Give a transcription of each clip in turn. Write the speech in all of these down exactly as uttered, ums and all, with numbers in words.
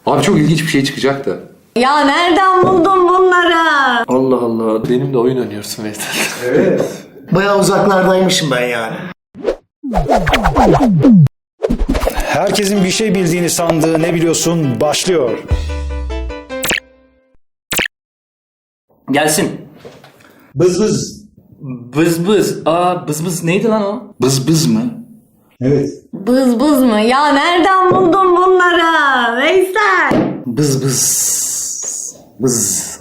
Abi çok ilginç bir şey çıkacak da. Ya nereden buldun bunları? Allah Allah. Benimle oyun oynuyorsun Veysel. Evet. Bayağı uzaklardaymışım ben yani. Herkesin bir şey bildiğini sandığı Ne Biliyorsun başlıyor. Gelsin. Bız bız. Bız bız. Aa bız bız neydi lan o? Bız bız mı? Evet. Bız bız mı? Ya nereden buldun bunları? Veysel. Bız bız. Bız.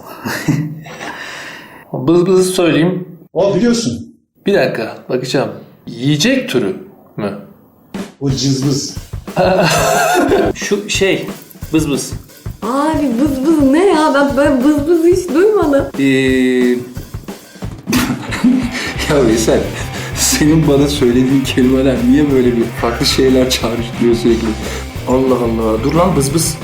Bız bız söyleyeyim. O biliyorsun. Bir dakika bakacağım. Yiyecek türü mü? O cızbız. Şu şey. Bız bız. Abi bız bız ne ya? Ben böyle bız bız hiç duymadım. Ee, Ya Veysel, senin bana söylediğin kelimeler niye böyle bir farklı şeyler çağrıştırıyor sürekli? Allah Allah. Dur lan bız bız.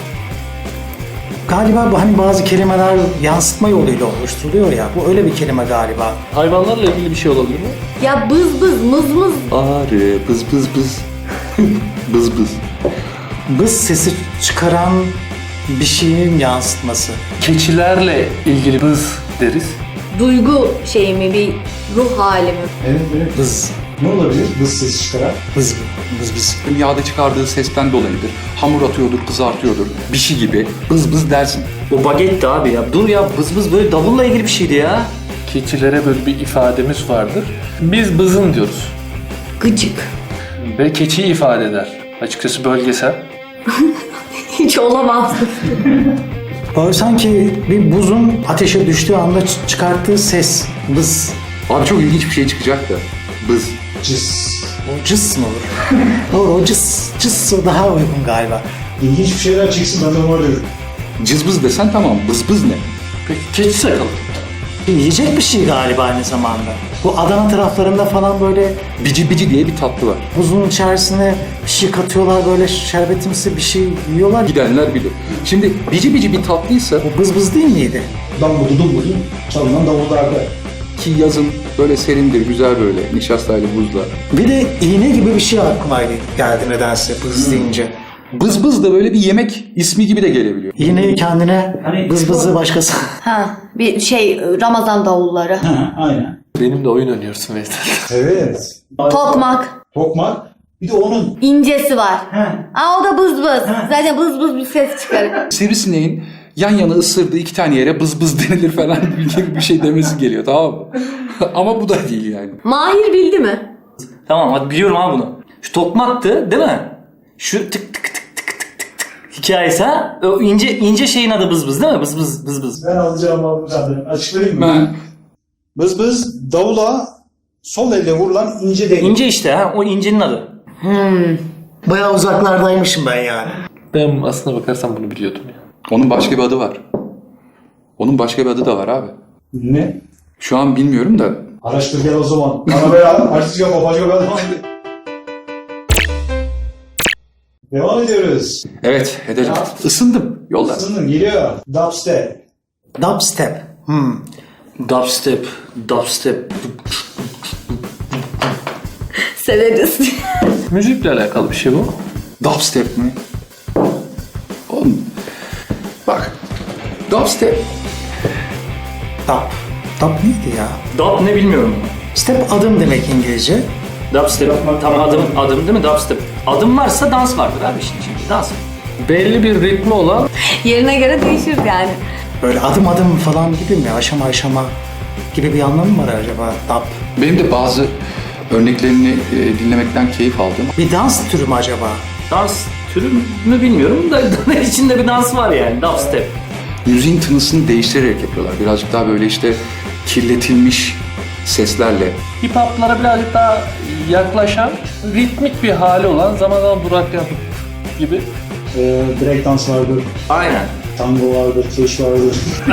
Galiba bu hani bazı kelimeler yansıtma yoluyla oluşturuluyor ya. Bu öyle bir kelime galiba. Hayvanlarla ilgili bir şey olabilir mi? Ya bız bız mız mız. Arı, bız bız bız. Bız bız. Bız sesi çıkaran bir şeyin yansıtması. Keçilerle ilgili bız deriz. Duygu şey mi? Bir ruh hali mi? Evet, evet. Bız. Ne olabilir? Bız sesi çıkaran. Bız bız bız. Yağda çıkardığı sesten dolayıdır. Hamur atıyordur, kızartıyordur. Bir şey gibi. Bız bız dersin. O bagetti abi ya. Dur ya bız bız böyle davulla ilgili bir şeydi ya. Keçilere böyle bir ifademiz vardır. Biz bızın diyoruz. Gıcık. Ve keçiyi ifade eder. Açıkçası bölgesel. Hiç olamaz. Böyle sanki bir buzun ateşe düştüğü anda ç- çıkarttığı ses. Bız. Abi çok ilginç bir şey çıkacak da. Bız. Cız. O cıs mı olur? Doğru, o cıs. Cıs o daha uygun galiba. İlginç bir şeyler çıksın ben de var diyorum. Cızbız desen tamam. Bız bız ne? Peki keçi sakalı. Yiyecek bir şey galiba aynı zamanda. Bu Adana taraflarında falan böyle Bici bici diye bir tatlı var. buzun içerisine bir şey katıyorlar, böyle şerbetimsi bir şey yiyorlar. Gidenler bilir. Şimdi bici bici bir tatlıysa O bız bız değil miydi? Dambudu dumbudu çalınan davullarda. ki yazın böyle serindir, güzel böyle nişastayla buzla. Bir de iğne gibi bir şey aklıma geldi nedense bız deyince. Bız bız da böyle bir yemek ismi gibi de gelebiliyor. İğneyi kendine, bız bızı başkası. Ha, bir şey Ramazan davulları. Ha, aynen. Benimle oyun oynuyorsun Veysel. Evet. Tokmak. Tokmak. Bir de onun İncesi var. Aa o da bız bız. Zaten bız bız bir ses çıkarır. Sivrisineğin yan yana ısırdığı iki tane yere bız bız denilir falan gibi bir şey demesi geliyor, tamam mı? Ama bu da değil yani. Mahir bildi mi? Tamam hadi biliyorum abi bunu. Şu tokmaktı değil mi? Şu tık tık tık tık tık tık tık hikayesi ha? O ince ince şeyin adı bız bız değil mi? Bız bız bız bız. ben alacağım aldım zaten. Açıklayayım mı? Ben Bız bız davula sol elle vurulan ince değnek. İnce işte ha o incenin adı. Bayağı uzaklardaymışım ben yani. Ben aslına bakarsam bunu biliyordum ya. onun başka bir adı var. Onun başka bir adı da var abi. Ne? Şu an bilmiyorum da. Araştır gel o zaman. Arabaya artist yapma başka bir adam aldı. Devam ediyoruz. Evet, edelim. Isındım. Yolla. Isındım geliyor. Dubstep. Dubstep. Hmm. Dubstep, dubstep. Severiz. Müzikle alakalı bir şey bu. Dubstep mi? Oğlum, bak. Dubstep. Dub. Dub neydi ya? Dub ne bilmiyorum. Step adım demek İngilizce. Dubstep tam adım adım değil mi dubstep? Adım varsa dans vardır abi işin içinde dans. Belli bir ritmi olan Yerine göre değişir yani. Böyle adım adım falan gibi mi? Aşama aşama gibi bir anlamı mı var acaba? Dub. Benim de bazı örneklerini e, dinlemekten keyif aldım. Bir dans türü mü acaba? Dans türü mü bilmiyorum da içinde bir dans var yani dubstep. Müziğin tınısını değiştirerek yapıyorlar. Birazcık daha böyle işte kirletilmiş seslerle. hip hop'lara birazcık daha yaklaşan, ritmik bir hali olan, zaman zaman duraklayan gibi. Ee, break dans vardır. Aynen. Tango vardır. Keş vardır.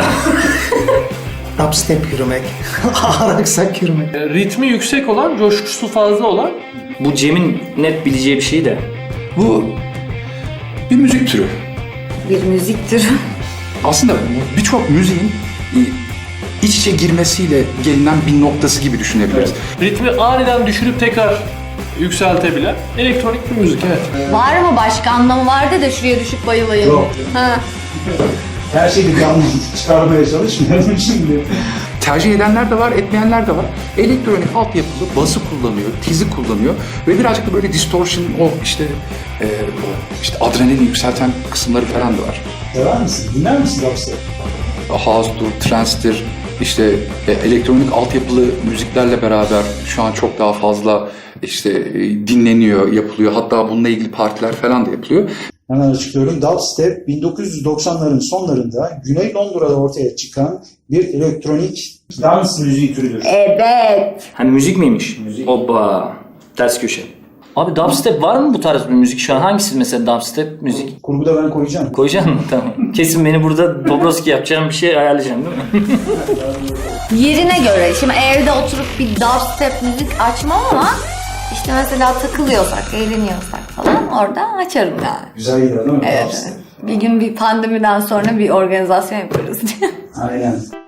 Dubstep yürümek. Ağır aksak yürümek. E, Ritmi yüksek olan, coşkusu fazla olan. Bu Cem'in net bileceği bir şey de. Bu bir müzik türü. Bir müzik türü. Aslında birçok müziğin e, iç içe girmesiyle gelinen bir noktası gibi düşünebiliriz. Ritmi aniden düşürüp tekrar yükseltebilen elektronik bir müzik, evet. Var mı başka anlamı vardı da şuraya düşüp bayılayım. Yok. Ha. Her şeyi bir anlam çıkarmaya çalışmıyorum şimdi. Tercih edenler de var, etmeyenler de var. Elektronik altyapılı bası kullanıyor, tizi kullanıyor ve birazcık da böyle distortion, o işte e, o işte adrenalini yükselten kısımları falan da var. Sever misin? Dinler misin dubstep? House'dur, trance'dir, işte e, elektronik altyapılı müziklerle beraber şu an çok daha fazla işte e, dinleniyor, yapılıyor. Hatta bununla ilgili partiler falan da yapılıyor. Hemen açıklıyorum. Dubstep bin dokuz yüz doksanların sonlarında Güney Londra'da ortaya çıkan bir elektronik dans müziği türüdür. Evet. Hani müzik miymiş? Müzik. Hoppa. Ters köşe. Abi dubstep var mı bu tarz bir müzik şu an? Hangisi mesela dubstep müzik? Kurguda ben koyacağım. Koyacaksın mı? Tamam. Kesin beni burada Dobroski yapacağım bir şey ayarlayacaksın değil mi? Yerine göre. Şimdi evde oturup bir dubstep müzik açmam ama işte mesela takılıyorsak, eğleniyorsak falan orada açarım yani. Güzel gider değil mi? Evet. Dubstep. Bir gün bir pandemiden sonra bir organizasyon yaparız. Aynen.